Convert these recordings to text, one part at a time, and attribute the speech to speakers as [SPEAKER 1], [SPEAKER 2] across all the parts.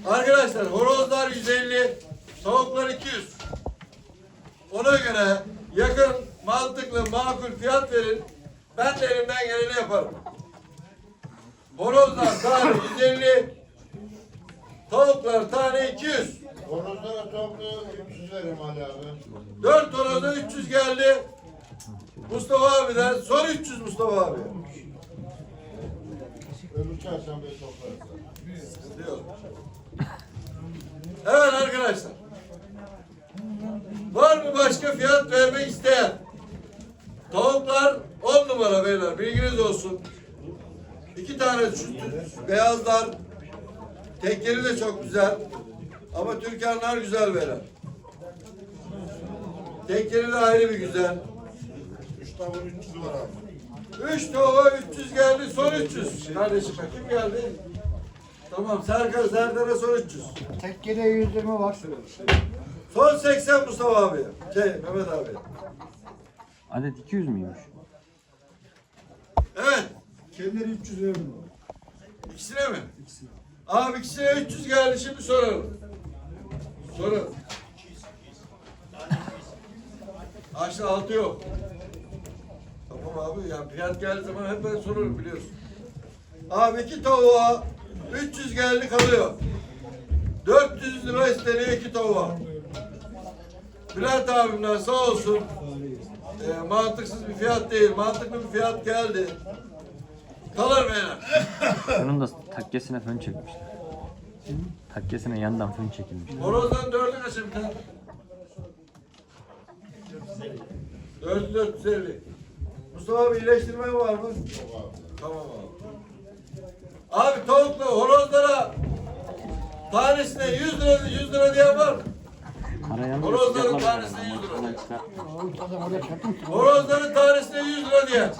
[SPEAKER 1] Arkadaşlar horozlar 150, tavuklar 200. Ona göre yakın, mantıklı, makul fiyat verin. Ben de elimden geleni yaparım. Horozlar tane 150, tavuklar tane 200.
[SPEAKER 2] Horozlara toplu 300 verim Ali abi.
[SPEAKER 1] 4 horoza 300 geldi. Mustafa abiden son 300 Mustafa abi.
[SPEAKER 2] Öbür çarşambaya toplarız.
[SPEAKER 1] Diyor. Evet arkadaşlar. Var mı başka fiyat vermek isteyen? Tavuklar 10 numara beyler. Bilginiz olsun. 2 tane şu beyazlar. Tekleri de çok güzel. Ama Türkanlar güzel beyler. Tekleri de ayrı bir güzel.
[SPEAKER 2] 3 tavuğun 300 var abi.
[SPEAKER 1] 3 tavuğa 300 geldi. Son 300. Kardeşim kim geldi? Tamam Serdar'a son 300.
[SPEAKER 3] Tekkede 120 var.
[SPEAKER 1] Son 80 Mustafa abi. Mehmet abi.
[SPEAKER 4] Adet 200 müymüş?
[SPEAKER 1] Evet.
[SPEAKER 3] Kendileri 300 verdim.
[SPEAKER 1] İkisine mi? İkisine. Abi ikisine 300 geldi. Şimdi soralım. Sorun. Aşağı altı yok. Tamam abi. Ya fiyat geldiği zaman hep ben sorarım biliyorsun. Abi 2 tavuğa 300 geldi kalıyor. 400 lira isteniyor 2 tavuğa. Bülent abimden sağ olsun. Mantıksız bir fiyat değil. Mantıklı bir fiyat geldi. Kalır beyler.
[SPEAKER 4] Bunun da takkesine fön çekmişler. Takkesine yandan fön çekilmiş.
[SPEAKER 1] Horozdan 4'ü kaça bir tane? 450. Mustafa abi iyileştirme var mı? Tamam abi. Abi tavukla horozlara tanesine 100 lira diyen var mı?
[SPEAKER 4] Karayanlı
[SPEAKER 1] Horozların tanesine 100 lira. Horozların tanesine 100 lira diyen.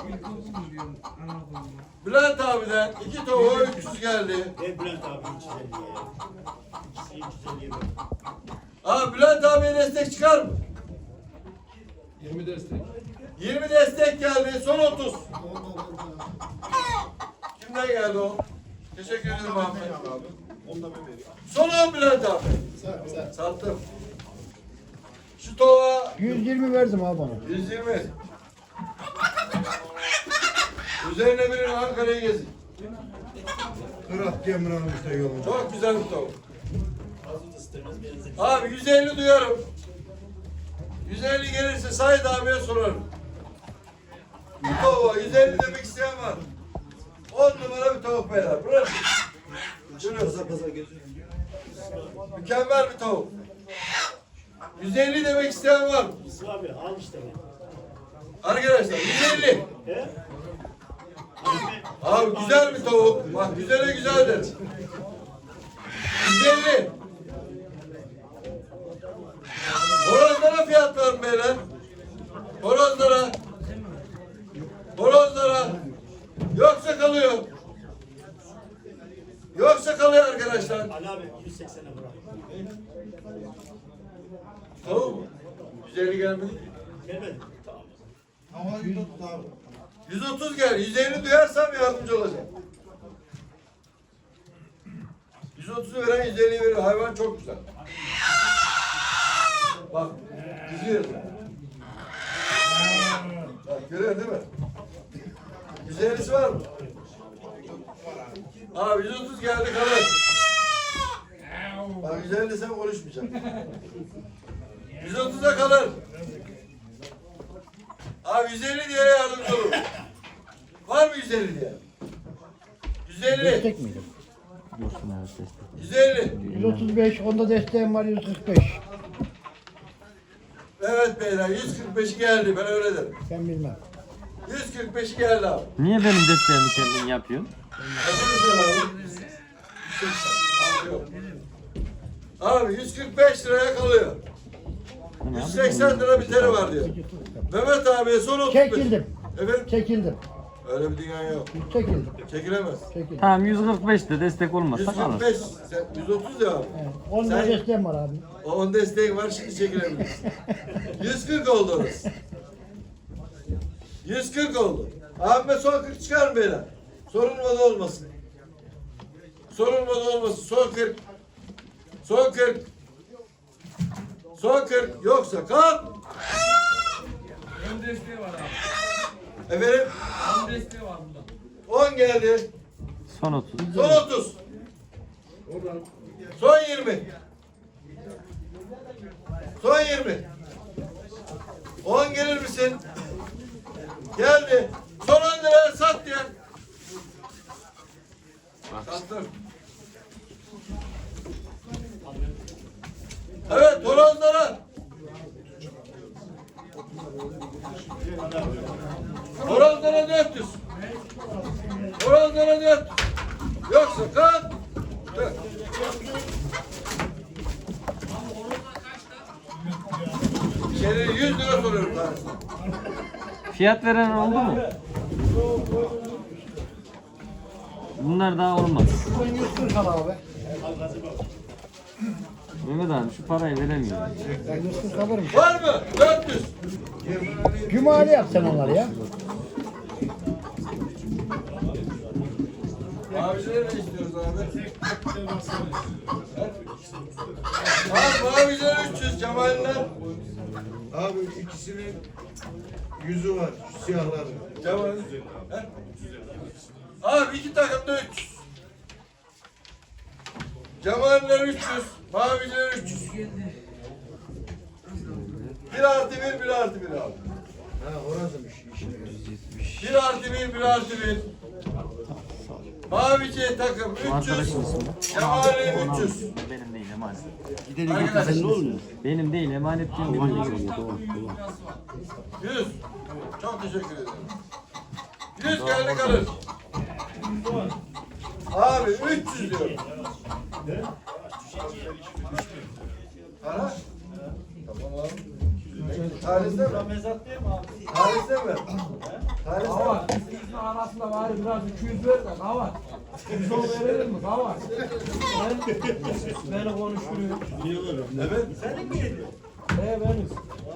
[SPEAKER 1] Bülent abiden 2 tavuğa 300 geldi.
[SPEAKER 5] Bülent abi 350 ya. İkisi 350 ver.
[SPEAKER 1] Abi Bülent abiye destek çıkar mı?
[SPEAKER 3] 20 destek.
[SPEAKER 1] 20 destek geldi. Son 30. Kimden geldi o? Teşekkür ederim abi.
[SPEAKER 2] Onu da ben vereyim.
[SPEAKER 1] Son 10 Bülent abi.
[SPEAKER 2] Sen.
[SPEAKER 1] Sattım. Şu tavuğa
[SPEAKER 3] 120 verdim abi bana.
[SPEAKER 1] 120. Üzerine birini Ankara'yı gezin.
[SPEAKER 2] Kırat Cemre almış da yolun.
[SPEAKER 1] Çok güzel bir tavuk. Abi 150 duyarım. 150 gelirse Said abiye sorarım. Bu tavuğa 150 demek isteyen var. 10 numara bir tavuk beyler. Bırak. Mükemmel bir tavuk. 150 demek isteyen var.
[SPEAKER 5] İsmi abi al işte bak.
[SPEAKER 1] Arkadaşlar 150.
[SPEAKER 5] He?
[SPEAKER 1] Abi güzel bir tavuk. Bak güzele güzeldir. 150. Horozlara fiyat var mı beyler? Horozlara. Horozlara. Yoksa kalıyor. Yoksa kalıyor arkadaşlar.
[SPEAKER 5] Ali abi 180'e bırak.
[SPEAKER 1] Tavuk mu? 150 gelmedi ki.
[SPEAKER 5] Gelmedi.
[SPEAKER 2] Ama 130 abi.
[SPEAKER 1] 130 gel. 150 duyarsam yardımcı olacağım. 130'u veren 150'yi verir. Hayvan çok güzel. Bak. Güzel. Bak görüyor değil mi? 150'si var mı? Abi 130 geldi kalır. Bak 150 sen konuşmayacaksın. 130'a kalır. Abi 150 diye yardımcı olur. Var mı 150 diye? 150.
[SPEAKER 3] Destek miydi?
[SPEAKER 4] Dursun evet destek.
[SPEAKER 1] 150.
[SPEAKER 3] 135, onda desteğim var 145.
[SPEAKER 1] Evet beyler 145'i geldi ben öyle derim.
[SPEAKER 3] Ben bilmem.
[SPEAKER 1] 145'i geldi abi.
[SPEAKER 4] Niye benim desteğimi kendin yapıyorsun?
[SPEAKER 1] Kaçıncı sen abi? 180. Abi yok. Abi 145 liraya kalıyor. 180 lira biteri var diyor. Mehmet abiye son 35.
[SPEAKER 3] Çekildim.
[SPEAKER 1] Efendim?
[SPEAKER 3] Çekildim.
[SPEAKER 1] Öyle bir dünya yok.
[SPEAKER 3] Çekildim.
[SPEAKER 1] Çekilemez.
[SPEAKER 3] Çekildim.
[SPEAKER 4] Tamam 145 de destek olmazsa kalır.
[SPEAKER 1] 145, sen 130 ya abi.
[SPEAKER 3] Evet. 10
[SPEAKER 1] Sen-
[SPEAKER 3] desteğim var abi.
[SPEAKER 1] O 10 desteğin var şimdi çekilebilirsin. 140 oldu orası. 140 oldu. Abime son 40 çıkar mı beyler? Sorulmadı olmasın. Sorulmadı olmasın. Son 40. Son 40. Son 40. Yoksa kalk.
[SPEAKER 6] Ön desteği var abi.
[SPEAKER 1] Efendim
[SPEAKER 6] Ön desteği var bundan.
[SPEAKER 1] 10 geldi.
[SPEAKER 4] Son 30.
[SPEAKER 1] Son 30. Son 20. Son 20. 10 gelir misin? Geldi. Son 10 liraya sat ya. Sattım. Evet, horozlara. Horozlara 400. Horozlara 400. Yoksa kalk. Dur. İçeri 100 lira soruyorum tanesine.
[SPEAKER 4] Fiyat veren oldu mu? Bunlar daha olmaz.
[SPEAKER 3] Ben 140 al abi.
[SPEAKER 4] Mehmet abi şu parayı veremiyorum.
[SPEAKER 3] Ben 140 alırım.
[SPEAKER 1] Var mı? 400.
[SPEAKER 3] Cumali yap sen onları ya.
[SPEAKER 1] Mavilere ne istiyoruz abi? Abi maviler 300, Cemal'ler.
[SPEAKER 2] Abi ikisinin yüzü var. Şu siyahların.
[SPEAKER 1] Cemal. He? Abi 2 takımda 300. Cemal'ler 300, maviler 300. 1 artı 1, 1 artı 1 abi.
[SPEAKER 2] Ha orasıymış işin.
[SPEAKER 1] 1 artı 1, 1 artı 1. Mavice takım 300,
[SPEAKER 4] Arkadaşın ismi.
[SPEAKER 1] Cemal'e 300.
[SPEAKER 4] Benim değil emanet.
[SPEAKER 1] Arkadaşlar
[SPEAKER 4] Benim değil emanet diyorum.
[SPEAKER 1] 100. Çok teşekkür ederim. 100 geldi kalır. Abi 300 diyorum. Para? Tamam abi. Tarihte mi? Tarihte mi? Tarihte mi?
[SPEAKER 6] Kavar. İkisinin arasında bari biraz 200 ver de kavar. 110 verelim mi kavar? Beni konuşturuyor.
[SPEAKER 1] Evet.
[SPEAKER 6] Benim.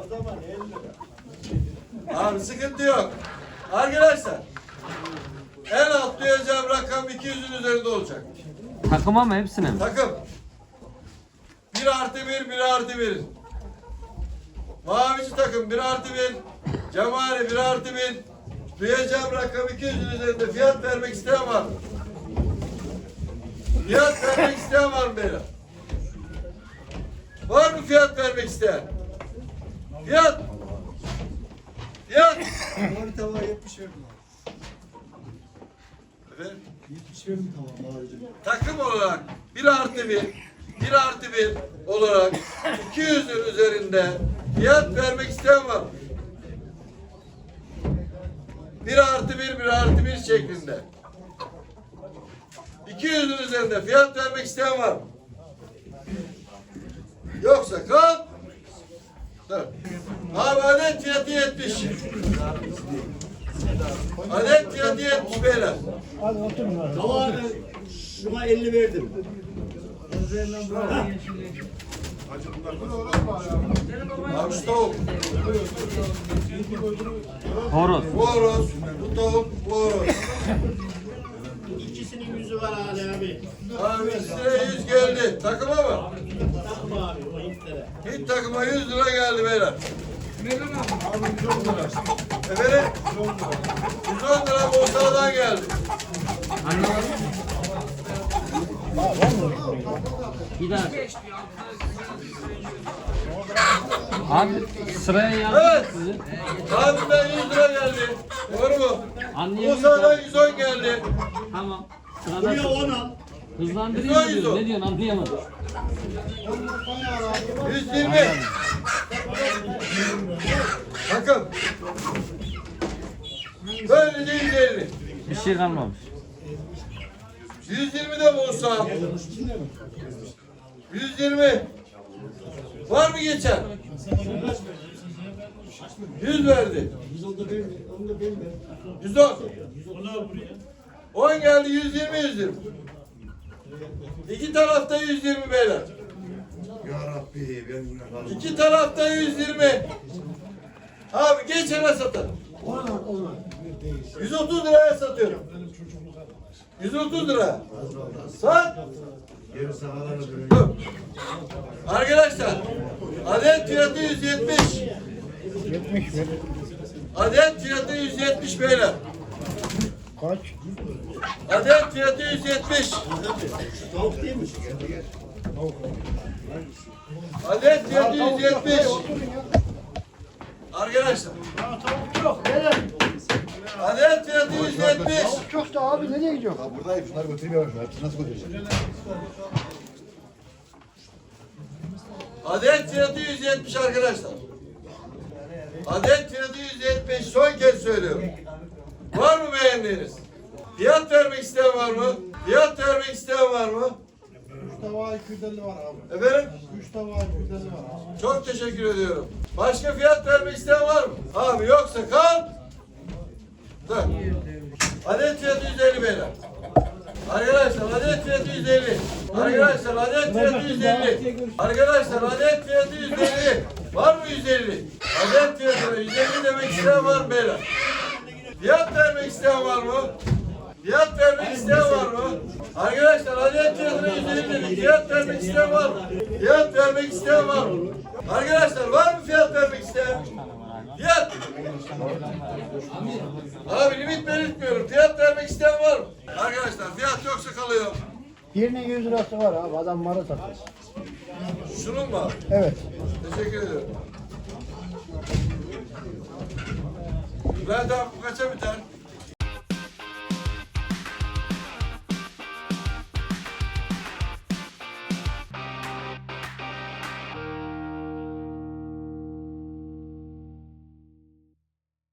[SPEAKER 1] Abi sıkıntı yok. Arkadaşlar en alt duyacağım rakam 200'ün üzerinde olacak.
[SPEAKER 4] Takıma mı hepsine mi?
[SPEAKER 1] Takım 1 artı 1, 1 artı 1. Mavici takım 1 artı 1. Cemali 1 artı 1. Duyacağım rakam 200'ün üzerinde fiyat vermek isteyen var mı? Fiyat vermek isteyen var mı beyler? Var mı fiyat vermek isteyen? Fiyat! Fiyat!
[SPEAKER 2] Mavi tava 70 verdim abi.
[SPEAKER 1] Efendim?
[SPEAKER 2] 70 verdim tamam mavicim.
[SPEAKER 1] Takım olarak 1 artı 1, 1 artı 1 olarak 200'ün üzerinde fiyat vermek isteyen var mı? 1 artı 1, 1 artı 1 şeklinde. 200'ün üzerinde fiyat vermek isteyen var mı? Yoksa kal. Dur. Abi adet fiyatı 70. Adet fiyatı 70 beyler.
[SPEAKER 3] Hadi oturun abi.
[SPEAKER 5] Tava şuna 50 verdim.
[SPEAKER 1] Abi şu tavuk.
[SPEAKER 4] Horoz.
[SPEAKER 1] Bu horoz. Bu tavuk. Bu horoz.
[SPEAKER 5] İkisinin yüzü var Ali abi.
[SPEAKER 1] Abi size 100 geldi. Takıma mı?
[SPEAKER 5] Takma abi o Hintlere.
[SPEAKER 1] Hint takıma 100 lira geldi beyler. Efendim? 110 lira Bursa'dan geldi.
[SPEAKER 4] Bir daha. Abi sıraya yazdım
[SPEAKER 1] Evet.
[SPEAKER 4] sizi.
[SPEAKER 1] Abimden 100 lira geldi. Doğru mu?
[SPEAKER 4] Anlayabiliyorum.
[SPEAKER 1] Bursa'dan 110 geldi.
[SPEAKER 4] Tamam.
[SPEAKER 5] Buraya
[SPEAKER 4] Sırada
[SPEAKER 5] 10 al.
[SPEAKER 4] hızlandırayım mı diyorsun? Ne diyorsun anlayamadım.
[SPEAKER 1] 120. Takım. Böylece 150.
[SPEAKER 4] Bir şey kalmamış.
[SPEAKER 1] 120 de Bursa. 120. Var mı geçen? 100 verdi. 110. 10 geldi 120 120. İki tarafta 120 beyler.
[SPEAKER 2] Ya Rabbi ben buna kaldım.
[SPEAKER 1] İki tarafta 120. Abi geçene satalım. 130 liraya satıyorum. 130 lira. Sat.
[SPEAKER 2] Geri sahalara dönüyor.
[SPEAKER 1] Dur. Arkadaşlar adet fiyatı 170.
[SPEAKER 3] 70 mi?
[SPEAKER 1] Adet fiyatı 170 beyler.
[SPEAKER 3] Kaç?
[SPEAKER 1] Adet fiyatı 170.
[SPEAKER 5] Tavuk değil mi?
[SPEAKER 1] Adet fiyatı 170. Arkadaşlar
[SPEAKER 3] Tavuk çok. Neden?
[SPEAKER 1] adet fiyatı 170.
[SPEAKER 3] Tavuk çok da abi nereye gidiyor?
[SPEAKER 2] Buradayım. Şunları götüreyim yavaş. Hepsini nasıl götüreceğim?
[SPEAKER 1] Adet fiyatı 170 arkadaşlar. Adet fiyatı 170. Son kez söylüyorum. Var mı beğendiğiniz? Fiyat vermek isteyen var mı? Fiyat vermek isteyen var mı?
[SPEAKER 2] 3 tava 250 var abi.
[SPEAKER 1] Efendim?
[SPEAKER 2] 3 tava 250 var abi.
[SPEAKER 1] Çok teşekkür ediyorum. Başka fiyat vermek isteyen var mı? Abi yoksa kal. Dur. Adet fiyatı 150 beyler. Arkadaşlar adet fiyatı 150. Arkadaşlar adet fiyatı 150. Arkadaşlar adet fiyatı 150. Var mı 150? Adet fiyatına 150 demek isteyen var mı beyler? Fiyat vermek isteyen var mı? Fiyat vermek isteyen var mı? Arkadaşlar adet fiyatına 150 dedik. Fiyat vermek isteyen var mı? Fiyat vermek isteyen var mı? Arkadaşlar var mı fiyat vermek isteyen? Fiyat! Abi limit belirtmiyorum. Fiyat vermek isteyen var mı? Arkadaşlar fiyat yoksa kalıyor.
[SPEAKER 3] Birinin 100 lirası var abi. Adam malı satıyor.
[SPEAKER 1] Şunun mu abi?
[SPEAKER 3] Evet.
[SPEAKER 1] Teşekkür ediyorum. Bülent abi bu kaça biter?